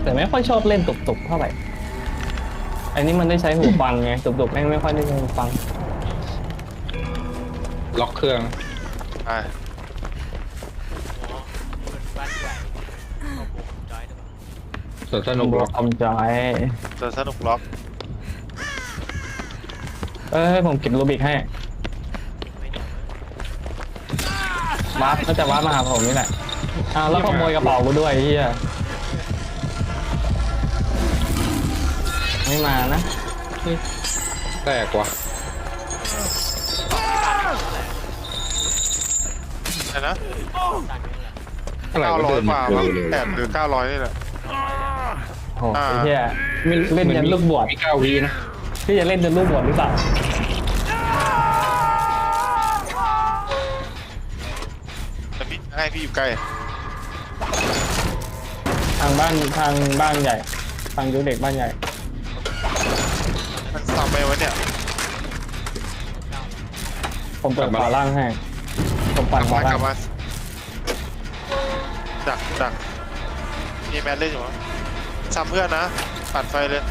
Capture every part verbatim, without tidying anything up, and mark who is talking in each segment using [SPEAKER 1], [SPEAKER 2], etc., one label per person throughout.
[SPEAKER 1] แต่ไม่ค่อยชอบเล่นตุกๆเท่าไหร่อันนี้มันได้ใช้หูฟังไงตุกๆแม่งไม่ค่อยได้ใช้หูฟัง
[SPEAKER 2] ล็อกเครื่อง
[SPEAKER 3] ใช่
[SPEAKER 4] โอ้มันบ้านใหญ่ขอบุกจอยด้วย
[SPEAKER 2] ส่วนสนุกล็อก
[SPEAKER 1] คอมจอย
[SPEAKER 3] จะสนุกล็อก
[SPEAKER 1] เอ้ยผมเก็บรูบิกให้
[SPEAKER 4] ไม่เหนียวเลยว
[SPEAKER 1] าร์ปก็จะวาร์ปมาหาผมนี่แหละอ้าวแล้วขโมยกระเป๋ากูด้วยเฮียไม่มานะ
[SPEAKER 2] แตกว่ะ
[SPEAKER 3] ใช่นะ
[SPEAKER 4] ตันนี่แหละ
[SPEAKER 2] อะไร
[SPEAKER 3] เก้า
[SPEAKER 2] ก็
[SPEAKER 3] ร้อ
[SPEAKER 2] เดิ
[SPEAKER 3] ย
[SPEAKER 2] น
[SPEAKER 3] กว่า
[SPEAKER 2] เร็
[SPEAKER 3] มั้ง
[SPEAKER 2] วเลย
[SPEAKER 3] แปดหรือเก้าร้อยนี่แหละ
[SPEAKER 1] โอ้โหเฮียเล่นยันลูกบวช
[SPEAKER 2] มีเก้าวีนะ
[SPEAKER 1] พี่จะเล่นยันลูกบวชหรือเปล่า
[SPEAKER 3] แต่พี่ให้พี่อยู่ใกล้
[SPEAKER 1] ทางบ้านทางบ้านใหญ่ทางยูเด็กบ้านใหญ่
[SPEAKER 3] มันซ้ำไปวะเนี่ย
[SPEAKER 1] ผมเปิดขวาล่างให้ผม
[SPEAKER 3] ก
[SPEAKER 1] ปั่
[SPEAKER 3] ลั
[SPEAKER 1] น
[SPEAKER 3] บ
[SPEAKER 1] ขวาม
[SPEAKER 3] าก
[SPEAKER 1] ล่า
[SPEAKER 3] ลั
[SPEAKER 1] ง
[SPEAKER 3] บมาดักดักมีแมนเล่นอยู่มั้งซ้ำเพื่อนนะปัดไฟเลย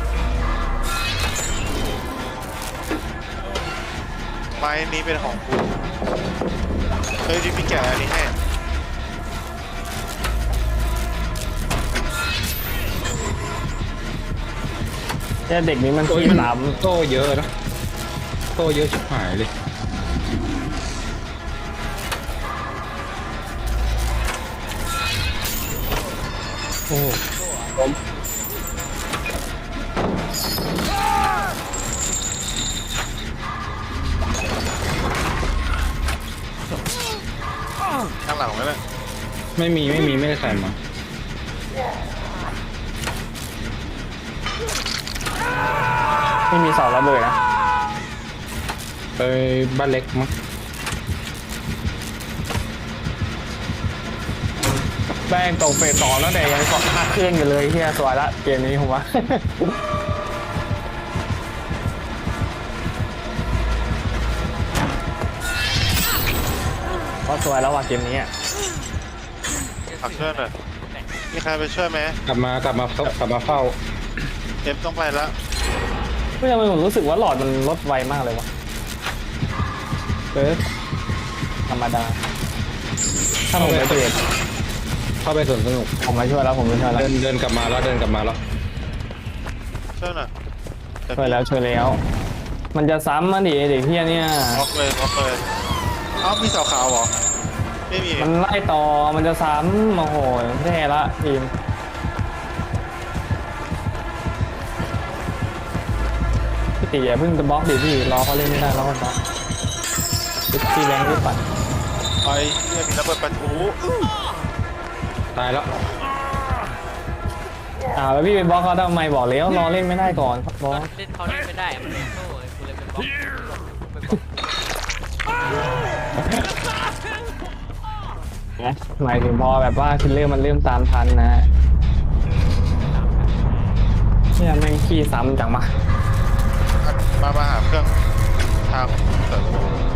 [SPEAKER 3] ไม้นี้เป็นของกูเฮ้ยที่พี่แกะอันนี้ให้
[SPEAKER 1] เนี่ยเด็กนี้มัน
[SPEAKER 2] โอ้ย
[SPEAKER 1] ขี้
[SPEAKER 2] มัน
[SPEAKER 1] หลาม
[SPEAKER 2] โต้เยอะนะโต้เยอะชิบหายเลยโอ้ผม
[SPEAKER 3] ข้างหลังไว้เลย
[SPEAKER 2] ไม่มีไม่มีไม่ได้ใส่มา
[SPEAKER 1] ไม่มีเสาระเบิดนะ
[SPEAKER 2] ไปบ้านเล็กมั้ง
[SPEAKER 1] แป้งตกเฟสสองแล้วแต่ยังเกาะห้าเครื่องอยู่เลยเฮียสวยละเกมนี้ผมว่า ก็สวยแล้วว่ะเกมนี้อ่ะ
[SPEAKER 3] ผักช่วยหน่อยมีใครไปช่วยไหม
[SPEAKER 2] กลับมากลับมาเฝ้ากลับมาเฝ้า
[SPEAKER 3] เอฟต้องไปแล้ว
[SPEAKER 1] ไม่ทำไมผมรู้สึกว่าหลอดมันลดไวมากเลยวะเบิร์ดธรรมดา ถ้าผมไปเปลี่ยน
[SPEAKER 2] เข้าไปสวนสนุก
[SPEAKER 1] ผมมาช่วยแล้วผมมาช่วยแล้ว
[SPEAKER 2] เดินเดินกลับมาแล้วเดินกลับมาแล้ว
[SPEAKER 3] ช่วยหน่อยแต่
[SPEAKER 1] ช่วยแล้วช่วยแล้ว มันจะซ้ำมาดิไอ้เด็กเฮียเนี่ย
[SPEAKER 3] บล็อกเลยบล็อกเลยเอ้ามีเสาขาวเหรอไม่มี
[SPEAKER 1] มันไล่ต่อมันจะซ้ำโอ้โหแย่ละทีมพี่ตีอย่าเพิ่งจะบล็อกดิพี่รอเขาเล่นไม่ได้รอเขาบล็อกพี่แรงพี่ปัด
[SPEAKER 3] ไอ้เนี่ยมีระเบิดประทุ
[SPEAKER 2] ตายแล้ว
[SPEAKER 1] อ่าแล้วพี่ไปบล็อกเขาทำไมบอกแล้วรอเล่นไม่ได้ก่อนบล็อก
[SPEAKER 4] เล่นเขาเล่นไม่ได้อะมันเล่นโซ่เลยกูเลยเป็นบล็อกไปบล็อก
[SPEAKER 1] นะหมายถึงพอแบบว่าคิลเลอร์มันเริ่มตามทันนะเนี่ยแม่งขี้ซ้ำจังมา
[SPEAKER 3] มามาหาเครื่องทางเสริม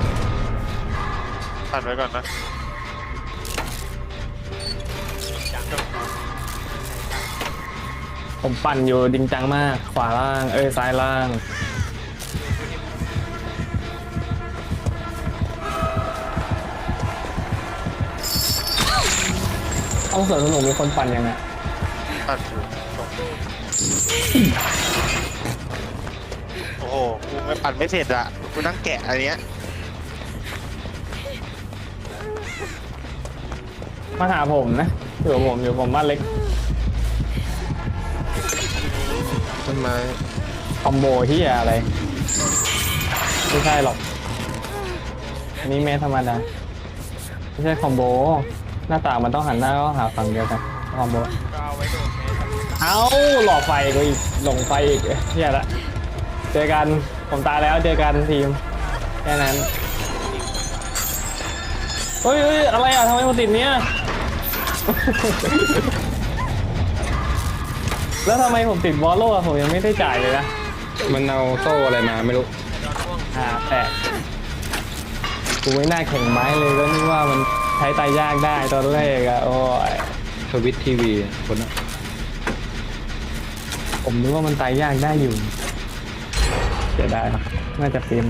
[SPEAKER 3] พันไว้ก่อนนะ
[SPEAKER 1] ผมปั่นอยู่จริงจังมากขวาล่างเอ้ยซ้ายล่างเอาเสริมสนุกมีคนปั่นยังไง
[SPEAKER 3] พันอยู่ตรงโอ้โหกูไม่ปั่นไม่เสร็จอะกูนั่งแกะอันเนี้ย
[SPEAKER 1] มาหาผมนะอยู่กับผมอยู่ผมบ้านเล็ก
[SPEAKER 3] ต้นไม้
[SPEAKER 1] คอมโบที่อะไรไม่ใช่หรอกอันนี้เมทธรรมดาไม่ใช่คอมโบหน้าต่างมันต้องหันหน้าก็หาฝั่งเดียวกันคอมโบ
[SPEAKER 4] ก็เอาไว้โดนแม่ครับ
[SPEAKER 1] เอ้าหลอกไฟกูอีกหลงไฟอีกเฮียละเจอกันผมตายแล้วเจอกันทีมแค่นั้นเฮ้ยเฮ้ยอะไรอ่ะทำไมมันติดเนี้ย แล้วทำไมผมติดบอลโล่อะผมยังไม่ได้จ่ายเลยนะ
[SPEAKER 2] มันเอาโซ่อะไรมาไม่รู้
[SPEAKER 4] โดนพ่วง
[SPEAKER 1] อ่าแต่กูไม่น่าแข่งไม้เลยก็นึกว่ามันใช้ตายยากได้ตอนแรกอะโอ้ย
[SPEAKER 2] ทวิตทีวีคนนั้น
[SPEAKER 1] ผมนึกว่ามันตายยากได้อยู่เสียดายน่าจะปีไม้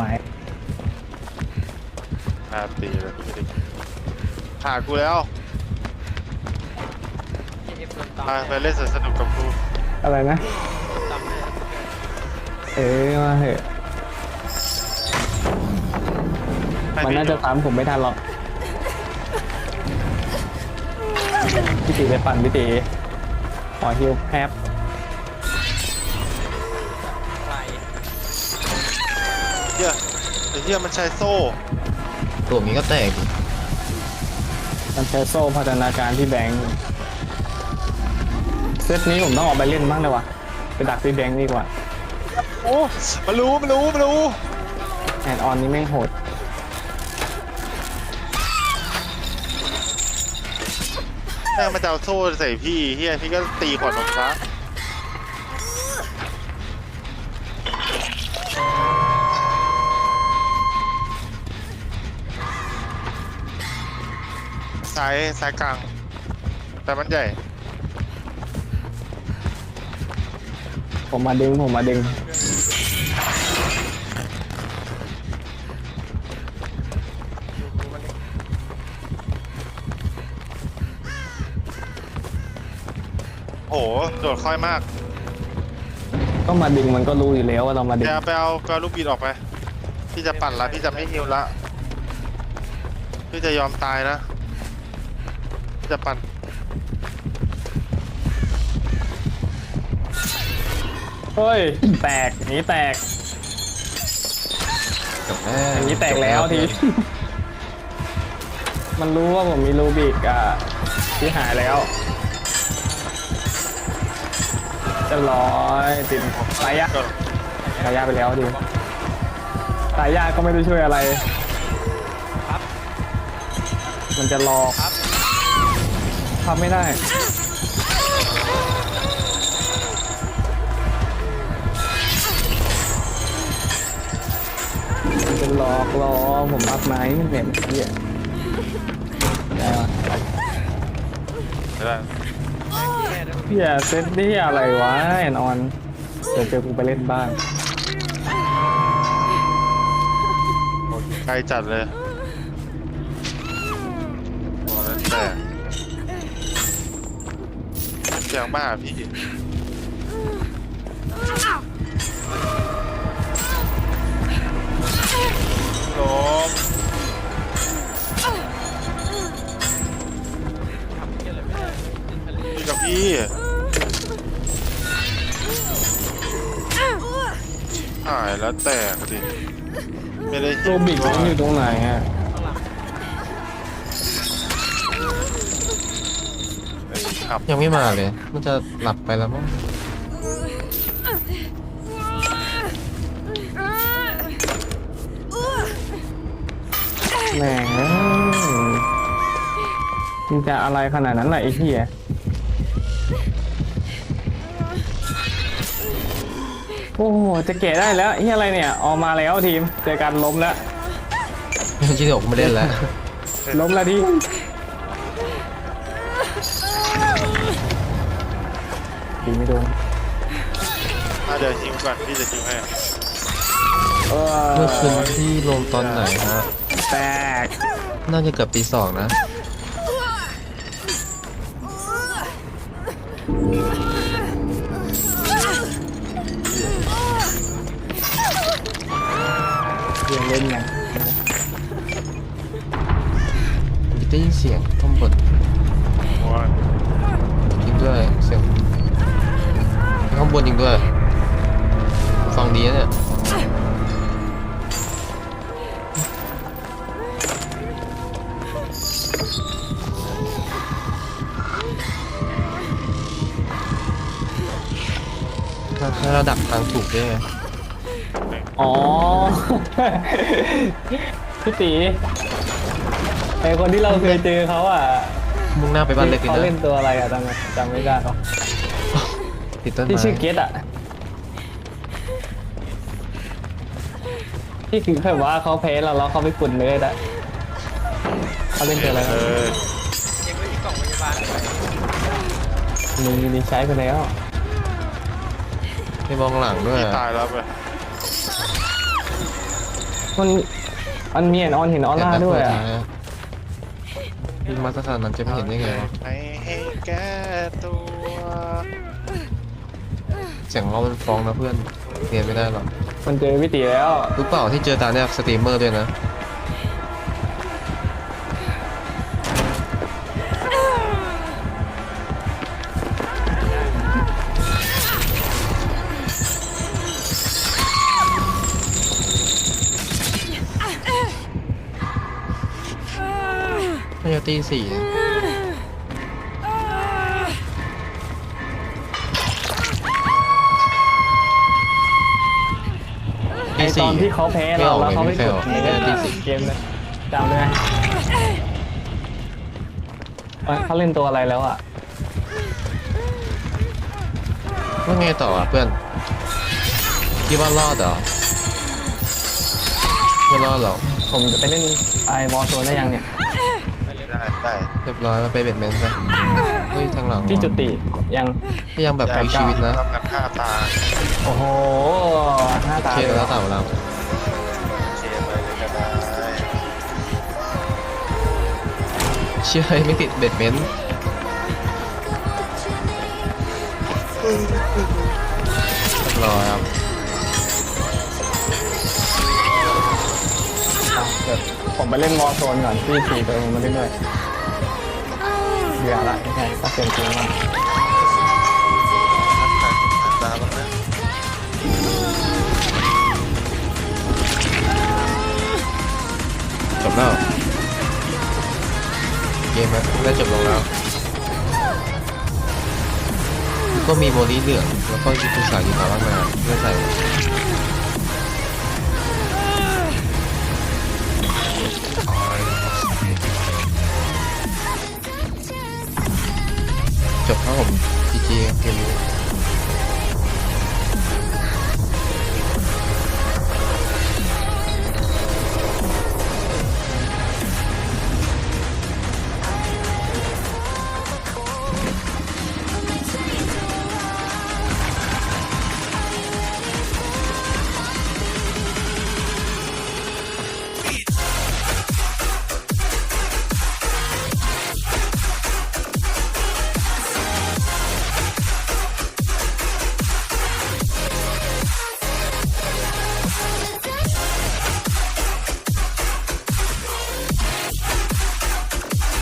[SPEAKER 3] ห้าปีเลยไม่ได้ผ่ากูแล้ว
[SPEAKER 4] เอฟโดนตอม
[SPEAKER 3] ไปไปเล่นสวนสนุกกับกู
[SPEAKER 1] อะไรนะ
[SPEAKER 4] ตอมเลย
[SPEAKER 1] เออมาเถอะ
[SPEAKER 3] ให้
[SPEAKER 1] มัน
[SPEAKER 3] พี่
[SPEAKER 1] น่าจะตามผมไม่ทันหรอกพี่ตีไปปั่นพี่ตีขอฮิวแคป
[SPEAKER 4] ไหล
[SPEAKER 3] เฮียไอ้เฮียมันใช้โซ่
[SPEAKER 5] ตัวนี้ก็แตกดิ
[SPEAKER 1] มันใช้โซ่พัฒนาการที่แบงค์เซตนี้ผมต้องออกไปเล่นบ้างเลยว่ะไปดักที่แบงค์ดีกว่า
[SPEAKER 3] โอ้มันรู้มันรู้มันรู้
[SPEAKER 1] แอนออนนี้แม่งโหด
[SPEAKER 3] แม่งมันจะเอาโซ่ใส่พี่เฮียพี่ก็ตีขวดนมซะซ้ายซ้ายกลาง แต่มันใหญ่
[SPEAKER 1] ผมมาดึงผมมาดึง
[SPEAKER 4] ดูดูมันดิ
[SPEAKER 3] โหโดดค่อยมาก
[SPEAKER 1] ก็มาดึงมันก็รู้อยู่แล้วว่าเรามาดึง
[SPEAKER 3] เดี๋ยวไปเอาไปเอาลูกบีดออกไป พี่จะปั่นละพี่จะไม่ฮิวละ พี่จะยอมตายนะ พี่จะปั่น
[SPEAKER 1] เฮ้ยแตกหนีแตก
[SPEAKER 5] จบแล้ว
[SPEAKER 1] อย่างนี้แตกแล้วที มันรู้ว่าผมมีรูบิกอ่ะที่หายแล้วจะร้อยติดตายยากตายยากไปแล้วดิตายยากก็ไม่ได้ช่วยอะไร
[SPEAKER 4] ครับ
[SPEAKER 1] มันจะรอ
[SPEAKER 4] ครับ
[SPEAKER 1] ทำไม่ได้มันจะหลอกล้อผมอัพไม้มันเหม็นเหี้ยได้ปะ
[SPEAKER 3] ไม่ได้
[SPEAKER 4] แย่ด้วย
[SPEAKER 1] เหี้ยเซตนี่อะไรวะแอนออนเดี๋ยวเจอกูไปเล่นบ้าง
[SPEAKER 3] โหไกลจัดเลยโอ้นั่นแต่เสียงมาหาพี่ลม
[SPEAKER 4] ทำเหี้ยอะไรไม่ได้ติดทะเล
[SPEAKER 3] พี่กับพี่หายแล้วแตกดิไม่ได้
[SPEAKER 1] โรบิกมันอยู่ตรงไหนอ่ะ
[SPEAKER 4] ข้างหลัง
[SPEAKER 3] ไอ้ขับ
[SPEAKER 5] ยังไม่มาเลย มันจะหลับไปแล้วมั้ง
[SPEAKER 1] แหมมันจะอะไรขนาดนั้นล่ะไอ้เหี้ยโอ้โหจะเกะได้แล้วเหี้ยอะไรเนี่ยออกมาแล้วทีมเจอกันล้มแล้ว
[SPEAKER 5] ชิโดะไม่เล่นแล้ว
[SPEAKER 1] ล้มแล้วทีมดีไม่โดน
[SPEAKER 3] อ่ะเดี๋ยวชิมก่อนพี่จะชิมให้
[SPEAKER 1] เออ
[SPEAKER 5] เมื่อคืนที่ลงตอนไหนฮะ
[SPEAKER 1] แตก
[SPEAKER 5] น่าจะเกือบตีสองนะ
[SPEAKER 1] เรียนเล่นไง
[SPEAKER 5] ได้ยินเสียงข้างบน
[SPEAKER 3] โอ้ย
[SPEAKER 5] จริงด้วยเสียงข้างบนจริงด้วยฟังดีนะเนี่ยถ้าถ้าเราดักทางถูกด้วยไง
[SPEAKER 1] อ๋อ พี่ตีไอคนที่เราเคยเจอเขาอ่ะ
[SPEAKER 5] มุ่งหน้าไปบ้านเล็กเลย
[SPEAKER 1] เขา
[SPEAKER 5] นะ
[SPEAKER 1] เล่นตัวอะไรอ่ะจำจำไม่ได้หรอก
[SPEAKER 5] ติดต้น
[SPEAKER 1] ที่
[SPEAKER 5] ไม้
[SPEAKER 1] ชื่อเกตอ่ะที่คือแบบว่าเขาแพ้เราแล้วเขาไปกุ่นเลยอ่ะเขาเล่นตัวอะไร
[SPEAKER 3] เอ
[SPEAKER 1] นะ
[SPEAKER 3] อ
[SPEAKER 4] เองไม่มีกล่องพยาบาลเลย
[SPEAKER 1] มีมีใช้ไปแล้ว
[SPEAKER 5] ไม่มองหลังด้วย
[SPEAKER 3] พี่ตายแล้วไป
[SPEAKER 1] มันมันมีแอนออนเห็นออร่าด้วยอ่ะ
[SPEAKER 5] ยิงมาสถานนั้นจะไม่เห็นได้ไงวะ
[SPEAKER 3] ไม่ให้แก้ตัว
[SPEAKER 5] เสียงเรามันฟ้องนะเพื่อนเรียนไม่ได้หรอก
[SPEAKER 1] มันเจอวิตีแล้ว
[SPEAKER 5] รู้เปล่าที่เจอตาเนี่ยสตรีมเมอร์ด้วยนะน่าจะตีสี่นะ
[SPEAKER 1] ไอตอนที่เขาแพ้เราแล้วเขาไม่กด
[SPEAKER 5] ไม่
[SPEAKER 1] เล่
[SPEAKER 5] ออก
[SPEAKER 1] น
[SPEAKER 5] ไม่ได้
[SPEAKER 1] เกมเลยจำได้ไหมเอ้ยเขาเล่นตัวอะไรแล้วอ่ะ
[SPEAKER 5] ว่าไงต่ออ่ะเพื่อนคิดว่ารอดเหรอไม่รอดหรอก
[SPEAKER 1] ผมจะไปเล่นไอวอลโซนได้ยังเนี่ย
[SPEAKER 3] ได้ได้
[SPEAKER 5] เรียบร้อยมาไปเบ็ดเมนต์ซะเฮ้ยทางหลัง
[SPEAKER 1] ที่จุติยัง
[SPEAKER 5] พยายามแบบพลิกชีวิตนะ
[SPEAKER 3] ทำกันฆ่าตา
[SPEAKER 1] โอ้โหหน้าตา
[SPEAKER 5] เคแล้วต่างเรา
[SPEAKER 3] เชียร์ไปเลยก็ได้
[SPEAKER 5] เชื่อไม่ติดเบ็ดเมนต์เรียบร้อยครับ
[SPEAKER 1] อ่ะเดี๋ยวผมไปเล่นวอลโซนก่อนที่สี่ตัวเองมาเรื่อยๆเบื่อละไม่ใช่ก็เปลี่ยนเกมมา
[SPEAKER 3] ตาบ้างนะ
[SPEAKER 5] จบแล้วเกมมันได้จบลงแล้ว ก็มีโมลีเหลืองแล้วก็จิตุสากีตาบ้างนาไม่ใส่จบครับผมจีจีเกมนี้